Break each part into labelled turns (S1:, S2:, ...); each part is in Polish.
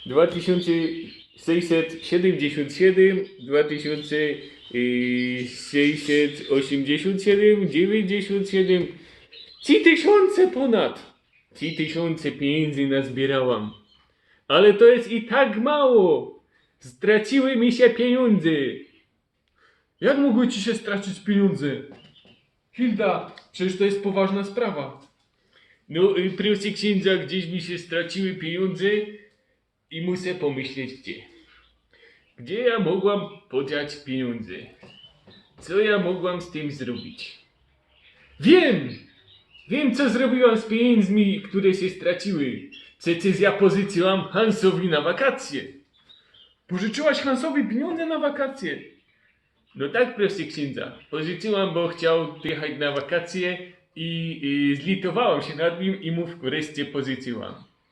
S1: 2677, 2687, 97, 3000 ponad. 3000 pieniędzy nazbierałam. Ale to jest i tak mało. Straciły mi się pieniądze.
S2: Jak mogły ci się stracić pieniądze? Hilda, przecież to jest poważna sprawa.
S1: No, proszę księdza, gdzieś mi się straciły pieniądze i muszę pomyśleć gdzie. Gdzie ja mogłam podziać pieniądze? Co ja mogłam z tym zrobić? Wiem! Wiem, co zrobiłam z pieniędzmi, które się straciły. Przecież ja pożyczyłam Hansowi na wakacje.
S2: Pożyczyłaś Hansowi pieniądze na wakacje.
S1: No tak, proszę księdza. Pożyczyłam, bo chciał jechać na wakacje i zlitowałam się nad nim i mu wreszcie pożyczyłam.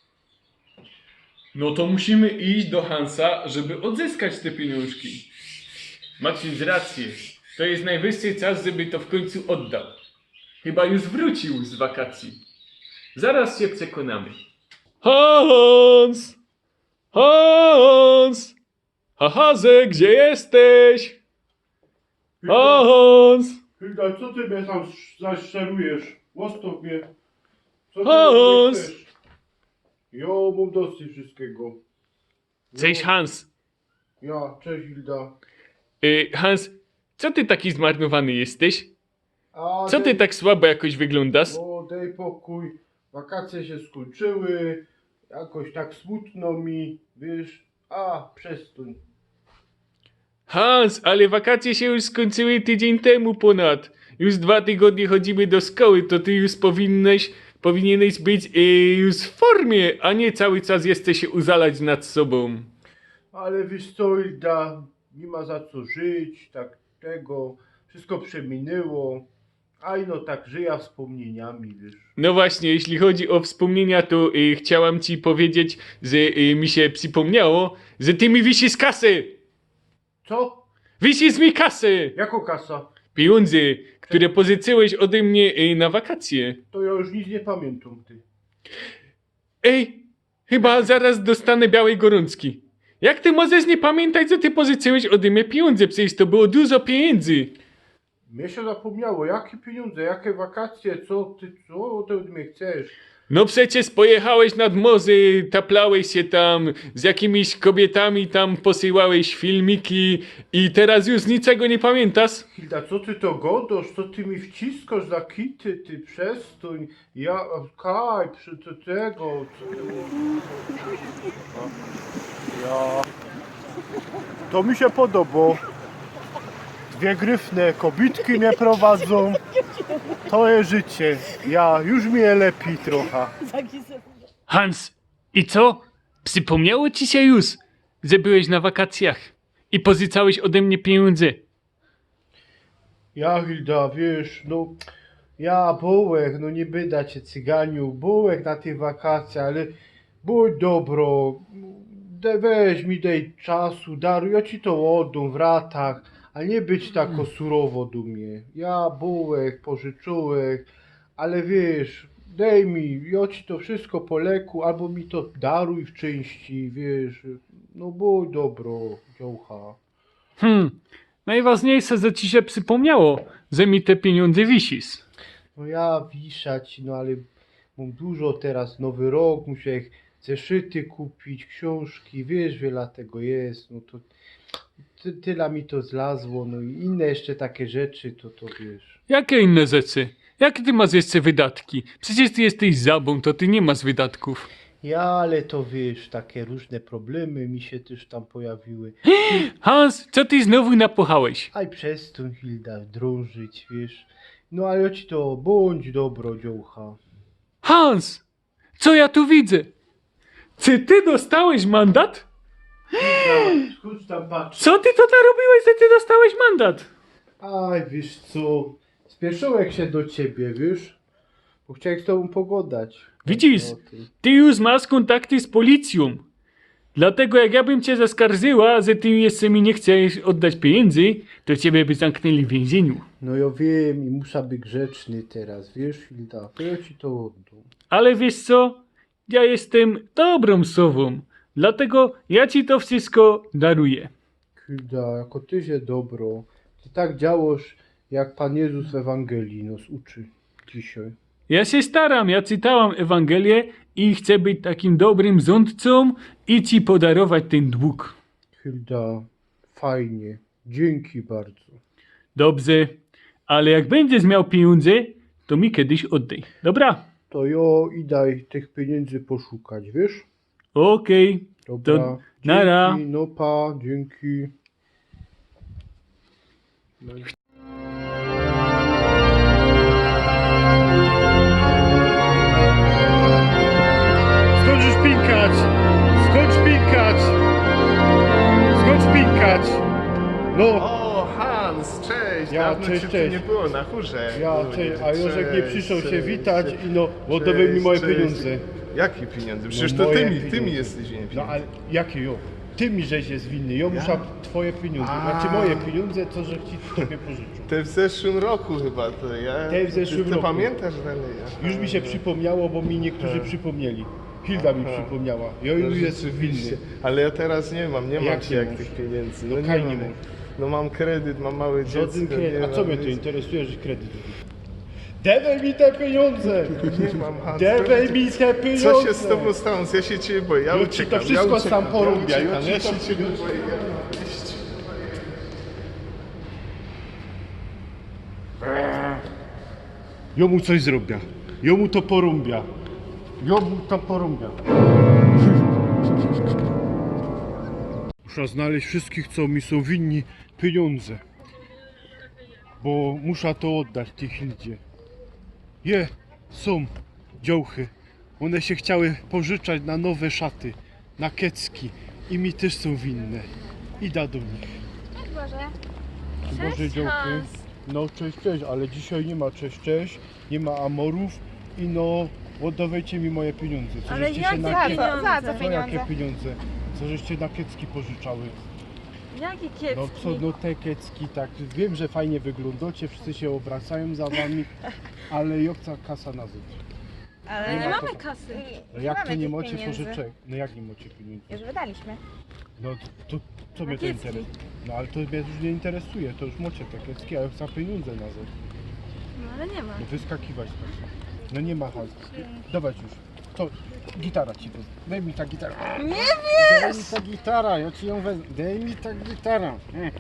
S2: No to musimy iść do Hansa, żeby odzyskać te pieniążki.
S1: Ma ksiądz rację. To jest najwyższy czas, żeby to w końcu oddał. Chyba już wrócił z wakacji. Zaraz się przekonamy.
S2: Hans! Hans! Hahaze, gdzie jesteś? Hans!
S3: Hilda, co ty mnie tam zaszerujesz? Łostow mnie. Co ty
S2: Hans!
S3: ode mnie chcesz? Jo, mam dosyć wszystkiego.
S1: Cześć Hans.
S3: Ja, cześć Hilda.
S1: Hans, co ty taki zmarnowany jesteś?
S3: A
S1: Co ty tak słabo jakoś wyglądasz?
S3: O, daj pokój. Wakacje się skończyły. Jakoś tak smutno mi, wiesz. A, przestań.
S1: Hans, ale wakacje się już skończyły tydzień temu ponad. Już 2 tygodnie chodzimy do szkoły, to ty już powinieneś być już w formie, a nie cały czas jesteś się uzalać nad sobą.
S3: Ale wiesz co, Hilda, nie ma za co żyć, tak tego. Wszystko przeminęło. Aj no tak żyję wspomnieniami, wiesz.
S1: No właśnie, jeśli chodzi o wspomnienia, to chciałam ci powiedzieć, że mi się przypomniało, że ty mi wisisz kasę!
S3: Co?
S1: Wisisz mi kasę!
S3: Jako kasa?
S1: Pieniądze, które pożyczyłeś ode mnie na wakacje.
S3: To ja już nic nie pamiętam, ty.
S1: Ej, chyba zaraz dostanę białej gorączki. Jak ty możesz nie pamiętać, że ty pożyczyłeś ode mnie pieniądze? Przecież to było dużo pieniędzy.
S3: Mnie się zapomniało, jakie pieniądze, jakie wakacje, co ty od mnie chcesz?
S1: No przecież pojechałeś nad morze, taplałeś się tam, z jakimiś kobietami tam posyłałeś filmiki i teraz już niczego nie pamiętasz?
S3: Hilda, co ty to godasz, co ty mi wciskasz za kity, ty przestań, ja, kaj, przy tego, co ty... Ja... To mi się podoba. Dwie gryfne kobitki mnie prowadzą. To jest życie. Ja, już mi je lepiej trochę.
S1: Hans, i co? Przypomniało ci się już, że byłeś na wakacjach i pożyczałeś ode mnie pieniądze.
S3: Ja, Hilda, wiesz, no, ja bułek, no nie byda cię cyganiu, bułek na tych wakacjach, ale bądź dobro, weź mi daj czasu, daruj, ja ci to oddam w ratach, a nie być tak surowo do mnie. Ja bułek, pożyczyłek, ale wiesz, daj mi, ja ci to wszystko po leku, albo mi to daruj w części, wiesz, no bądź dobro, dziołcha.
S1: Najważniejsze, że ci się przypomniało, że mi te pieniądze wisisz.
S3: No ja wiszać, no ale mam dużo teraz, nowy rok, muszę zeszyty kupić, książki, wiesz, wiele tego jest, no to tyle mi to zlazło, no i inne jeszcze takie rzeczy, to wiesz.
S1: Jakie inne rzeczy? Jakie ty masz jeszcze wydatki? Przecież ty jesteś zabą, to ty nie masz wydatków.
S3: Ja, ale to wiesz, takie różne problemy mi się też tam pojawiły.
S1: Hans, co ty znowu napochałeś?
S3: Aj przestań, Hilda, drążyć, wiesz. No ale ci to, bądź dobro, dziołcha.
S1: Hans, co ja tu widzę? Czy ty dostałeś mandat?
S3: Hilda, skąd tam patrz?
S1: Co ty to narobiłeś, że ty dostałeś mandat?
S3: Aj, wiesz co, spieszyłem się do ciebie, wiesz, bo chciałem z tobą pogadać.
S1: Widzisz,
S3: O tym.
S1: ty już masz kontakty z policją. Dlatego jak ja bym cię zaskarżyła, że ty jeszcze mi nie chcesz oddać pieniędzy, to ciebie by zamknęli w więzieniu.
S3: No ja wiem i muszę być grzeczny teraz, wiesz, Hilda, to ja ci to oddam.
S1: Ale wiesz co? Ja jestem dobrą sową. Dlatego ja ci to wszystko daruję.
S3: Hilda, jako ty się dobro. Ty tak działasz, jak Pan Jezus w Ewangelii nas uczy dzisiaj.
S1: Ja się staram, ja czytałam Ewangelię i chcę być takim dobrym rządcą i ci podarować ten dług.
S3: Hilda, fajnie. Dzięki bardzo.
S1: Dobrze, ale jak będziesz miał pieniądze, to mi kiedyś oddaj. Dobra?
S3: To jo i daj tych pieniędzy poszukać, wiesz?
S1: Okej.
S3: Dobra.
S1: To nara.
S3: Dzięki, no pa, dzięki. No. Skończysz pinkać! Skończ pinkać! Skończ pinkać! No!
S2: O, Hans, cześć!
S3: Ja,
S2: Dawno
S3: cześć,
S2: cię tu
S3: cześć.
S2: nie było na chórze.
S3: Ja,
S2: Kurde,
S3: cześć, a Jorzek nie
S2: cześć,
S3: przyszedł się
S2: cześć,
S3: witać
S2: cześć.
S3: i no, oddawaj mi moje
S2: Cześć.
S3: pieniądze.
S2: Jakie pieniądze? Przecież
S3: No
S2: to
S3: moje
S2: ty mi
S3: pieniądze.
S2: jesteś winien
S3: No
S2: pieniędzy.
S3: ale jakie jo? Ty mi żeś jest winny, jo muszę twoje pieniądze.
S2: A.
S3: Znaczy moje pieniądze, to że ci tobie pożyczył.
S2: Te w zeszłym roku chyba to ja.
S3: Te w zeszłym
S2: ty
S3: roku.
S2: pamiętasz dalej? Aha,
S3: Już mi się
S2: no.
S3: przypomniało, bo mi niektórzy przypomnieli. Hilda mi przypomniała. Jo
S2: No
S3: już jest
S2: rzeczywiście.
S3: winny.
S2: Ale ja teraz nie mam
S3: Jak
S2: ci
S3: nie
S2: jak
S3: masz?
S2: tych pieniędzy.
S3: No
S2: No,
S3: kaj
S2: nie
S3: nie
S2: mam.
S3: masz?
S2: No mam kredyt, mam małe dziecko.
S3: Żaden kredyt.
S2: nie
S3: A co
S2: mam
S3: mnie to
S2: nic.
S3: interesuje, że kredyt? Dawaj mi te pieniądze!
S2: Nie mam, Hans.
S3: Dawaj mi te pieniądze!
S2: Co się z tobą stało? Ja się ciebie boję. Ja
S3: Jo ci
S2: uciekam,
S3: to wszystko
S2: ja uciekam,
S3: sam porąbia,
S2: ja
S3: jo
S2: uciekam,
S3: ci
S2: ja
S3: to
S2: się ciebie
S3: wszystko-
S2: boję.
S3: Jomu coś zrobię. Jomu to porąbia. Jomu to porąbia. Muszę znaleźć wszystkich, co mi są winni pieniądze. Bo muszę to oddać tej Hildzie. Są działchy. One się chciały pożyczać na nowe szaty, na kecki. I mi też są winne. Idę do nich.
S4: Cześć Boże.
S3: Boże
S4: Cześć,
S3: działky.
S4: Hans.
S3: No cześć, cześć, ale dzisiaj nie ma cześć, cześć, nie ma amorów i no oddawajcie mi moje pieniądze. Co
S4: Ale
S3: żeście
S4: jakie
S3: się na
S4: pieniądze?
S3: kie-
S4: Za co
S3: Co jakie
S4: pieniądze?
S3: pieniądze? Co żeście na kiecki pożyczały?
S4: Jakie kiepski?
S3: No co, no te kiecki, tak, wiem, że fajnie wyglądacie, wszyscy się obracają za wami, ale jokca kasa na zewnątrz.
S4: Ale
S3: nie
S4: nie
S3: ma
S4: mamy
S3: to-
S4: kasy.
S3: No jak to
S4: mamy
S3: nie
S4: tych
S3: macie
S4: pieniędzy.
S3: pożyczek? No jak nie macie pieniędzy?
S4: Już wydaliśmy.
S3: No to co
S4: Na
S3: mnie to
S4: kiecki.
S3: interesuje? No ale to mnie już nie interesuje, to już macie te kiecki, a ja chcę pieniądze na zewnątrz.
S4: No ale nie ma.
S3: No wyskakiwać tak. No nie ma hajsu. Dawać już. To gitara ci wezmę. Daj mi ta gitara.
S4: Nie
S3: Daj mi ta gitara, ja ci ją wezmę. Daj mi ta gitara.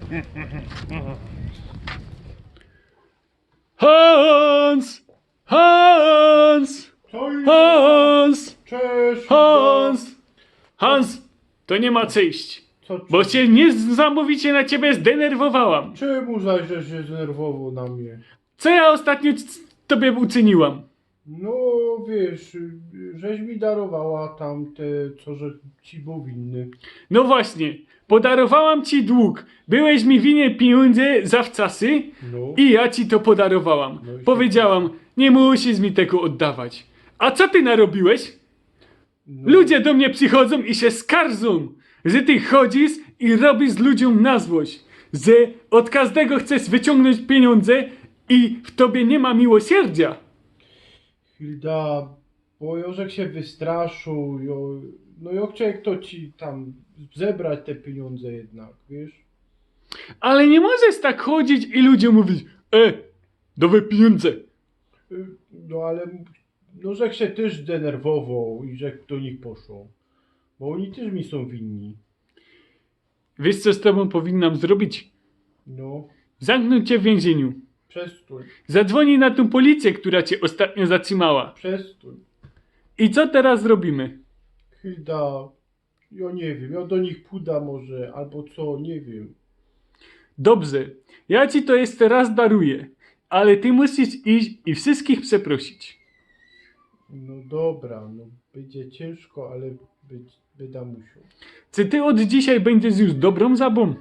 S1: Hans! Hans! Hans!
S3: Cześć!
S1: Hans! Hans! To nie ma co iść.
S3: Co,
S1: Bo się niesamowicie na ciebie zdenerwowałam.
S3: Czemu zaś że się zdenerwował na mnie?
S1: Co ja ostatnio tobie uczyniłam?
S3: No wiesz, żeś mi darowała tam te, co że ci był winny.
S1: No właśnie, podarowałam ci dług. Byłeś mi winien pieniądze zawczasy
S3: No.
S1: i ja ci to podarowałam.
S3: No i
S1: Powiedziałam, nie musisz mi tego oddawać. A co ty narobiłeś?
S3: No.
S1: Ludzie do mnie przychodzą i się skarżą, że ty chodzisz i robisz ludziom na złość, że od każdego chcesz wyciągnąć pieniądze i w tobie nie ma miłosierdzia.
S3: Hilda, bo Jorzek się wystraszył, no ja chciałem kto ci tam zebrać te pieniądze jednak, wiesz?
S1: Ale nie możesz tak chodzić i ludziom mówić, dawaj pieniądze.
S3: No ale, no że się też zdenerwował i że do nich poszło. Bo oni też mi są winni.
S1: Wiesz co z tobą powinnam zrobić?
S3: No,
S1: Zamknąć cię w więzieniu.
S3: przestój,
S1: Zadzwoni na tą policję, która cię ostatnio zatrzymała.
S3: przestój.
S1: I co teraz zrobimy?
S3: Hilda, ja nie wiem, ja do nich pójdę może, albo co, nie wiem.
S1: Dobrze, ja ci to jeszcze raz daruję, ale ty musisz iść i wszystkich przeprosić.
S3: No dobra, no będzie ciężko, ale będę musiał.
S1: Czy ty od dzisiaj będziesz już dobrą zabą?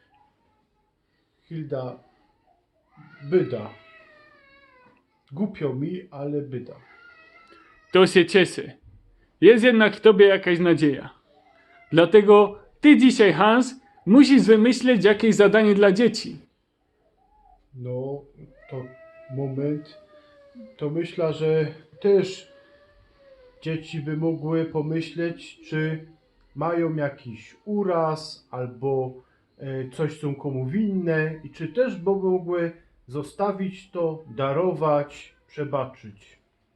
S3: Hilda, byda. Głupio mi, ale byda.
S1: To się cieszę. Jest jednak w tobie jakaś nadzieja. Dlatego ty dzisiaj, Hans, musisz wymyśleć jakieś zadanie dla dzieci.
S3: No, to moment. To myślę, że też dzieci by mogły pomyśleć, czy mają jakiś uraz albo coś są komu winne i czy też by mogły zostawić to, darować, przebaczyć.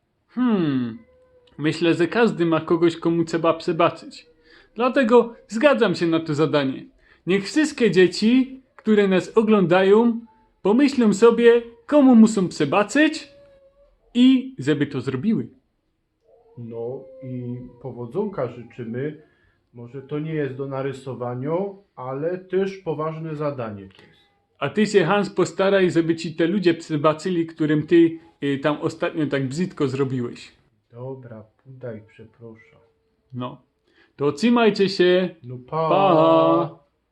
S5: Myślę, że każdy ma kogoś, komu trzeba przebaczyć. Dlatego zgadzam się na to zadanie. Niech wszystkie dzieci, które nas oglądają, pomyślą sobie, komu muszą przebaczyć i żeby to zrobiły.
S3: No i powodzonka życzymy. Może to nie jest do narysowania, ale też poważne zadanie to jest.
S5: A ty się, Hans, postaraj, żeby ci te ludzie przebaczyli, którym ty tam ostatnio tak brzydko zrobiłeś.
S3: Dobra, podaj, przepraszam.
S5: No. To trzymajcie się.
S3: No
S5: Pa!